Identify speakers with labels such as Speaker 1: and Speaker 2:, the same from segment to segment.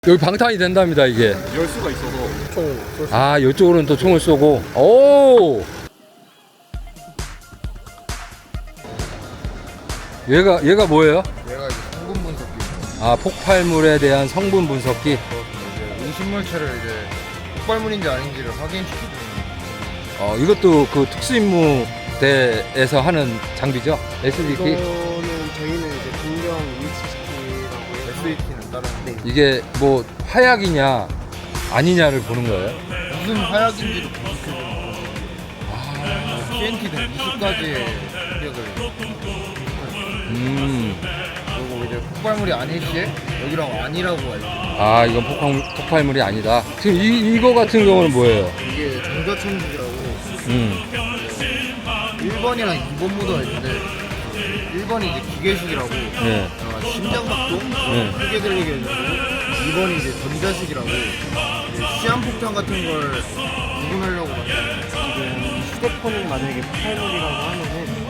Speaker 1: 여기 방탄이 된답니다, 이게.
Speaker 2: 열 수가 있어서 총 쏠 수.
Speaker 1: 아, 이쪽으로는 또 총을 쏘고. 오! 얘가 뭐예요?
Speaker 2: 얘가 이제 성분 분석기.
Speaker 1: 아, 폭발물에 대한 성분 분석기.
Speaker 2: 이제 인식물체를 이제 폭발물인지 아닌지를 확인시키는.
Speaker 1: 이것도 그 특수임무대에서 하는 장비죠? SDT.
Speaker 3: 이거는 저희는 이제 분명 위치시키라고 해서
Speaker 2: SAT는 다른.
Speaker 3: 네.
Speaker 1: 이게 뭐 화약이냐 아니냐를 보는 거예요?
Speaker 2: 무슨 화약인지도 분석해주는 거죠. TNT는 20가지의 화약을. 그리고 이제 폭발물이 아닐 시에 여기랑 아니라고 알죠.
Speaker 1: 아, 이건 폭발물이 아니다. 지금 이거 같은 경우는 뭐예요?
Speaker 2: 이게 전자천국이라고 1번이랑 2번 모드가 있는데 1번이 이제 기계식이라고
Speaker 1: 네.
Speaker 2: 심장박동
Speaker 1: 네.
Speaker 2: 크게 들리게 해주고 2번이 이제 전자식이라고 이제 시한폭탄 같은 걸 구분하려고 만든.
Speaker 3: 지금 휴대폰을 만약에 폭발물이라고 하면은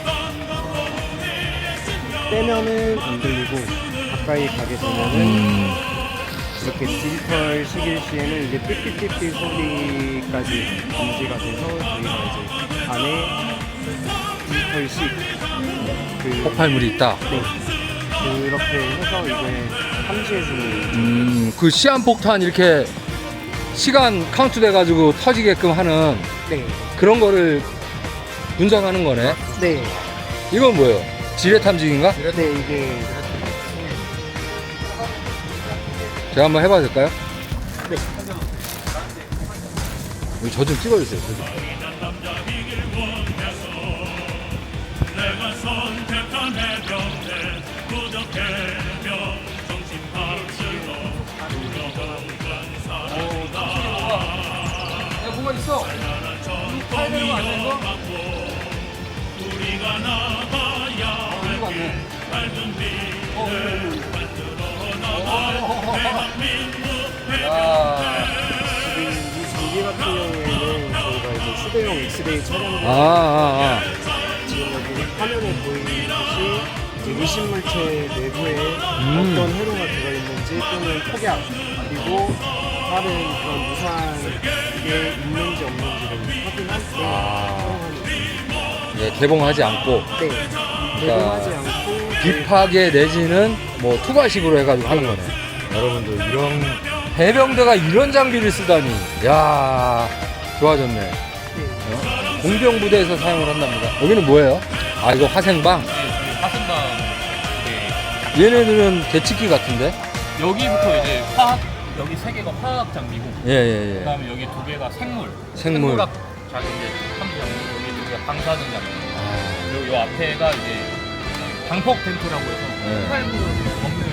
Speaker 3: 빼면은 안 들리고 가까이 가게 되면은 이렇게 디지털 시길 시에는 이제 삐삐삐삐 소리까지 감지가 돼서 저희가 이제 안에 디지털식
Speaker 1: 폭발물이 있다.
Speaker 3: 네. 그렇게 해서 이제 탐지해주는
Speaker 1: 그 시한폭탄 이렇게 시간 카운트 돼가지고 터지게끔 하는
Speaker 3: 네.
Speaker 1: 그런 거를 분석하는 거네.
Speaker 3: 네.
Speaker 1: 이건 뭐예요? 지뢰 탐지기인가?
Speaker 3: 네, 이게
Speaker 1: 제가 한번 해봐도 될까요?
Speaker 3: 네.
Speaker 1: 저 좀 찍어주세요. 저 좀. 뭐가 있어? 타야 되는 거 아니야, 이거? 이거
Speaker 3: 지금 이 장비 같은 경우에는 저희가 이제 휴대용 엑스레이 촬영을 지금 여기 화면에 보이듯이 이제 의심물체 내부에 어떤 회로가 들어있는지 또는 폭약 그리고 다른 그런 무사한 게 있는지 없는지를 확인할 때 사용하는
Speaker 1: 예, 개봉하지 않고
Speaker 3: 네. 개봉하지 않고
Speaker 1: 딥하게 내지는 뭐 투과식으로 해가지고 하는 거네. 여러분들 이런 해병대가 이런 장비를 쓰다니, 야 좋아졌네. 공병 부대에서 사용을 한답니다. 여기는 뭐예요? 아, 이거 화생방.
Speaker 4: 화생방.
Speaker 1: 얘네들은 개치기 같은데?
Speaker 4: 여기부터 이제 화학, 여기 세 개가 화학 장비고,
Speaker 1: 예.
Speaker 4: 그다음에 여기 두 개가 생물.
Speaker 1: 생물.
Speaker 4: 생물학 장비, 탐지 장비, 여기 두 개가 방사능 장비. 그리고 요 앞에가 이제 방폭 텐트라고 해서
Speaker 1: 네.
Speaker 4: 폭발물을 먹는.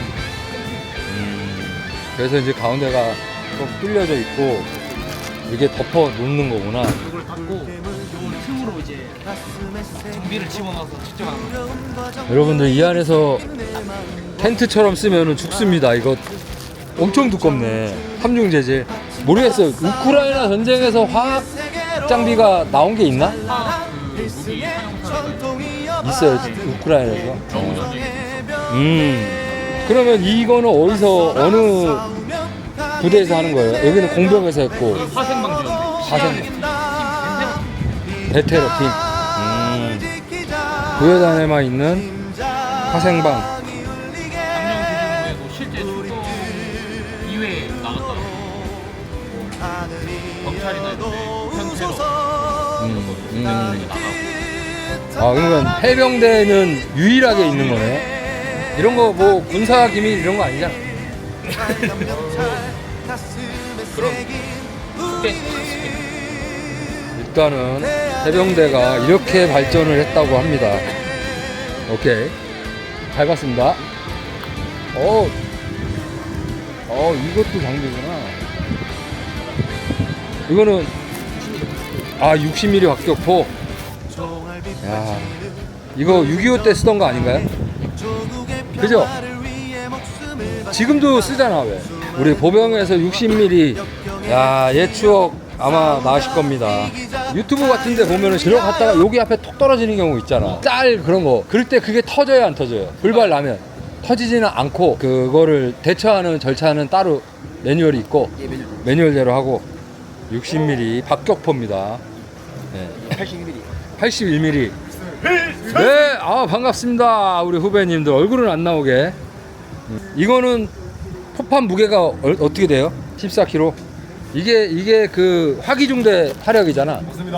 Speaker 1: 그래서 이제 가운데가 좀 뚫려져 있고 이게 덮어 놓는 거구나.
Speaker 4: 이걸 닫고 요걸 틈으로 이제 장비를 집어넣어서 직접 하는 거예요.
Speaker 1: 여러분들 이 안에서 텐트처럼 쓰면은 죽습니다. 이거 엄청 두껍네. 함중 재질. 모르겠어요. 우크라이나 전쟁에서 화학 장비가 나온 게 있나?
Speaker 4: 무기 사용사가
Speaker 1: 있어요. 우크라이나에서.
Speaker 4: 너무 전쟁이
Speaker 1: 그러면 이거는 어디서 어느 부대에서 하는 거예요? 여기는 공병에서 했고
Speaker 4: 화생방 지원.
Speaker 1: 화생 베테랑 팀. 부여단에만 있는 화생방.
Speaker 4: 작년 기준으로 실제 출동 이외에 나갔다고. 경찰이나 이런 현태로 나가고.
Speaker 1: 아, 그러면 해병대는 유일하게 있는 거네. 이런 거 뭐 군사 기밀 이런 거 아니잖아.
Speaker 4: 그럼
Speaker 1: 일단은 해병대가 이렇게 발전을 했다고 합니다. 오케이, 잘 봤습니다. 이것도 장비구나. 이거는 60mm 확격포. 야, 이거 6.25 때 쓰던 거 아닌가요? 그죠? 지금도 쓰잖아. 왜? 우리 보병에서 60mm. 야, 옛 추억 아마 나실 겁니다. 유튜브 같은 데 보면은 들어갔다가 여기 앞에 톡 떨어지는 경우 있잖아. 짤 그런 거. 그럴 때 그게 터져요, 안 터져요? 불발 나면. 터지지는 않고 그거를 대처하는 절차는 따로 매뉴얼이 있고 매뉴얼대로 하고 60mm 박격포입니다. 네. 81mm. 네, 아 반갑습니다. 우리 후배님들 얼굴은 안 나오게. 이거는 포판 무게가 어떻게 돼요? 14kg. 이게 그 화기중대 화력이잖아.
Speaker 2: 맞습니다.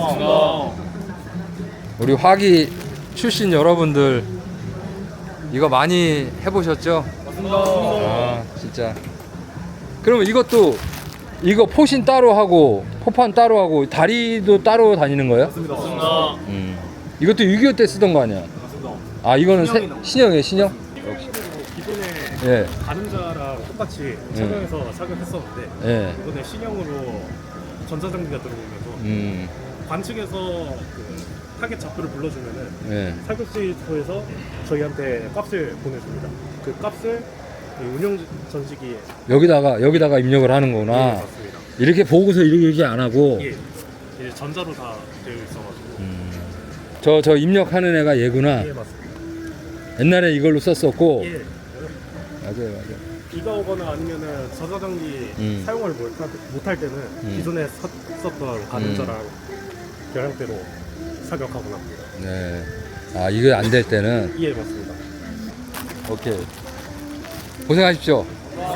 Speaker 1: 우리 화기 출신 여러분들 이거 많이 해보셨죠?
Speaker 2: 맞습니다.
Speaker 1: 아 진짜. 그러면 이것도 이거 포신 따로 하고 포판 따로 하고 다리도 따로 다니는 거예요?
Speaker 2: 맞습니다.
Speaker 1: 이것도 6.25 때 쓰던 거 아니야?
Speaker 2: 맞습니다.
Speaker 1: 아 이거는 신형이에요 신형?
Speaker 5: 기존에
Speaker 1: 예.
Speaker 5: 가늠자랑 똑같이 착용해서 착용했었는데
Speaker 1: 예.
Speaker 5: 이번에 신형으로 전자장비가 들어오면서 관측에서 그 타겟 좌표를 불러주면은
Speaker 1: 예.
Speaker 5: 사격시소에서 저희한테 값을 보내줍니다. 그 값을 이 운영 전시기에
Speaker 1: 여기다가 입력을 하는 거구나.
Speaker 5: 예, 맞습니다.
Speaker 1: 이렇게 보고서 이렇게 안 하고
Speaker 5: 예, 이제 전자로 다 되어 있어가지고
Speaker 1: 저 입력하는 애가 얘구나.
Speaker 5: 예 맞습니다.
Speaker 1: 옛날에 이걸로 썼었고.
Speaker 5: 예,
Speaker 1: 맞아요.
Speaker 5: 비가 오거나 아니면은 전자장비 사용을 못할 때는 기존에 썼던 가늠자랑 결향대로 사격하고 납니다.
Speaker 1: 네. 아 이거 안 될 때는
Speaker 5: 예 맞습니다.
Speaker 1: 오케이. 고생하십시오.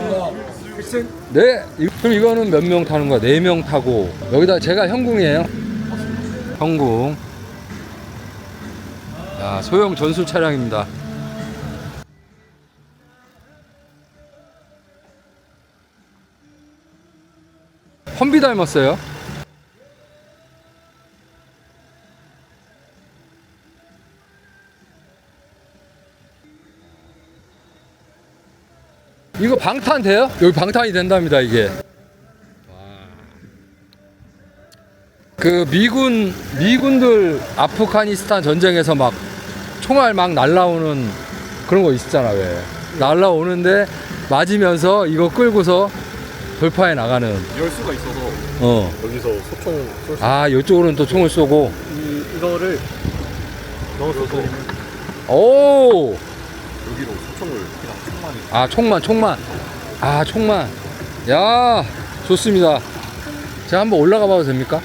Speaker 1: 네. 그럼 이거는 몇 명 타는 거야? 4명 타고 여기다 제가 형궁이에요. 형궁. 야, 소형 전술 차량입니다. 험비 닮았어요. 이거 방탄 돼요? 여기 방탄이 된답니다 이게. 그 미군들 아프가니스탄 전쟁에서 막 총알 막 날라오는 그런 거 있었잖아. 왜 날라오는데 맞으면서 이거 끌고서 돌파해 나가는.
Speaker 2: 열 수가 있어서
Speaker 5: 여기서 소총 쏠 수.
Speaker 1: 아 이쪽으로는 또 총을 쏘고.
Speaker 5: 이거를 넣어서
Speaker 1: 오.
Speaker 2: 여기로 소총을 그냥 총만이.
Speaker 1: 아 총만. 아 총만. 야 좋습니다. 제가 한번 올라가 봐도 됩니까?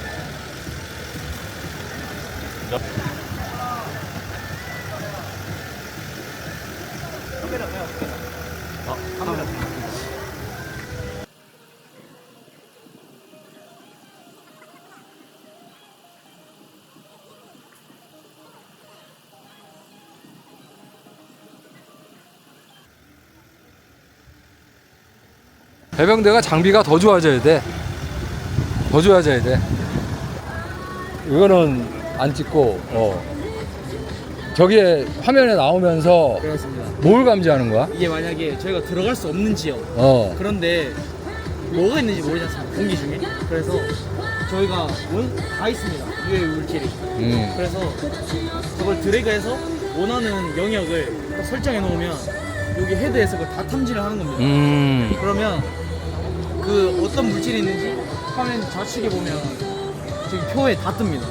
Speaker 1: 해병대가 장비가 더 좋아져야 돼. 더 좋아져야 돼. 이거는 안 찍고, 저기에 화면에 나오면서
Speaker 6: 그렇습니다.
Speaker 1: 뭘 감지하는 거야?
Speaker 6: 이게 만약에 저희가 들어갈 수 없는 지역
Speaker 1: 그런데
Speaker 6: 그런데 뭐가 있는지 모르지 않습니까? 공기 중에. 그래서 저희가 다 있습니다. 유해 물질이. 그래서 저걸 드래그해서 원하는 영역을 딱 설정해 놓으면 여기 헤드에서 그걸 다 탐지를 하는 겁니다. 그러면 그 어떤 물질이 있는지 화면 좌측에 보면 저기 표에 다 뜹니다.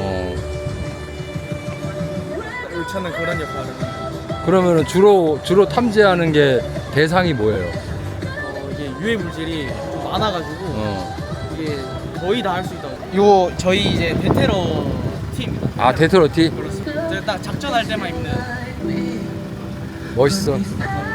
Speaker 6: 저는 그런 역할을 합니다.
Speaker 1: 그러면은 주로 탐지하는 게 대상이 뭐예요?
Speaker 6: 이게 유해 물질이 좀 많아가지고 이게 거의 다 할 수 있다고. 이거 저희 이제 베테러 팀입니다.
Speaker 1: 아 데트로티?
Speaker 6: 그렇습니다. 제가 딱 작전할 때만 입는.
Speaker 1: 멋있어.